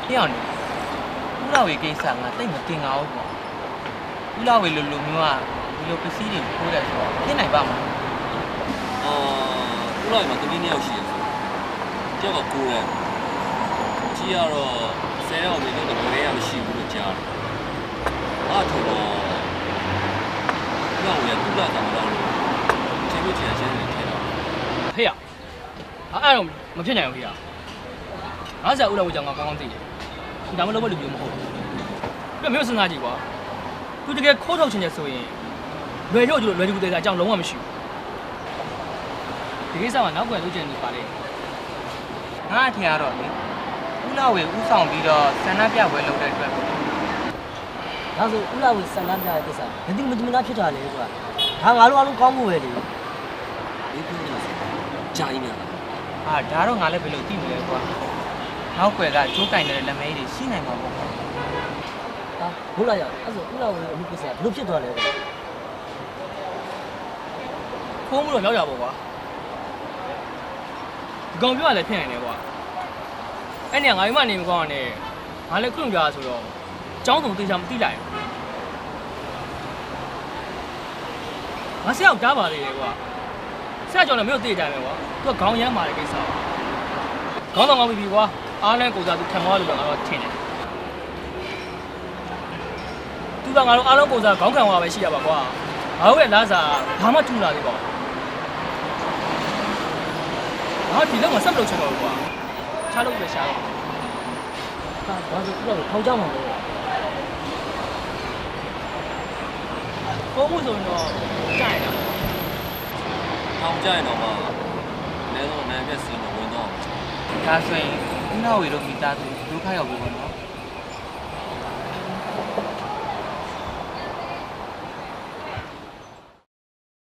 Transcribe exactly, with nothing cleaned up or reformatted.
ပြောင်းနေဦးလာဝေကိစ္စငါတိတ်မတင်ငါဘူးပေါ့ဦးလာဝေလိုလိုမျိုးကဒီလိုပစ္စည်းတွေခိုးတယ်ဆိုတော့ဖြစ်နိုင်ပါမလားအာဦးလာဝေမှာတမီးနှစ်ယောက်ရှိတယ်တယောက်ကကိုယ်ရကြီးကတော့ဆယ်ယောက်နေတော့တကယ်ရမရှိဘူးလို့ကြားတယ်အားထုတ်တော့ဦးလာဝေကသူ့လာတာမလို့ချင်းချင်းချင်းချင်းထဲတော့ဖေးရအဲ့တော့မဖြစ်နိုင်ဘူးဖေးရငါဆက်ဦးလာဝေကြောင့်ငါကောင်းကောင်းသိတယ်ဒီဒါမှလုပ်ဖို့လူမျိုးမဟုတ်ဘူးပြမျိုးစဉ်းစားကြည့်ကွာသူတကယ်ခိုးထုတ်ချင်တယ်ဆိုရင်လွယ်လို့ကျလို့လွယ်ကူသေးတာအကြောင်းလုံးဝမရှိဘူးဒီကိစ္စမှာနောက်ွယ်လုပ်ချင်နေပါလေငါအထင်ကတော့လေဦးလာဝေဥဆောင်ပြီးတော့ဆန္ဒပြပွဲလုပ်တဲ့အတွက်ပေါ့ဒါဆိုဦးလာဝေဆန္ဒပြတဲ့ကိစ္စမသိမသိမနာဖြစ်တာလေကွာဒါငါတို့အားလုံးကောင်းမှုပဲလေဒီပြောနေတာကြာကြီးများဟာဒါတော့ငါလည်းဘယ်လိုသိမလဲကွာနောက်ွယ်ကကျိုးကင်တဲ့လက်မဲတွေရှိနိုင်မှာပေါ့ဟာဘုလားရအဲ့ဆိုဦးလာဝေအမှုကိစ္စဘယ်လိုဖြစ်သွားလဲကွာခိုးမှုတော့ရောက်ရပါကွာဒီကောင်ပြောရလဲဖြစ်နိုင်တယ်ကွာအဲ့နေငါ့မနေမကောင်းနဲ့ငါလည်းခွင့်ပြဆိုတော့အကြောင်းစုံသိချာမသိလိုက်ဘူးငါဆက်ရောက်ကြားပါလေကွာဆက်ကြောင်လည်းမင်းတို့သိကြမယ်ကွာသူကခေါင်းရမ်းမာတဲ့ကိစ္စခေါင်းဆောင်ကောင်းပြီကွာအားနဲ့ကိုစားသူခံသွားလို့တော့ငါတော့ထင်တယ်သူကငါတို့အားလုံးကိုစားခေါင်းခံသွားပဲရှိရပါကွာငါတို့ရဲ့လားစာဘာမှထူလာသေးပါဘူးငါဒီလောက်မှဆက်မလုပ်ချင်ပါဘူးကွာချားလို့ပဲရှားတော့ဟာဒါဆိုဦးလာဝေထောင်ကြမှာလေကိုမှုဆိုရင်တော့ကြိုက်တာထောင်ကြရင်တော့မှလဲတော့နာမည်စီမဝင်တော့ဒါဆိုရင်ဦးလာဝေတို့မိသားစုဒုက္ခရောက်ပြီပေါ့နော်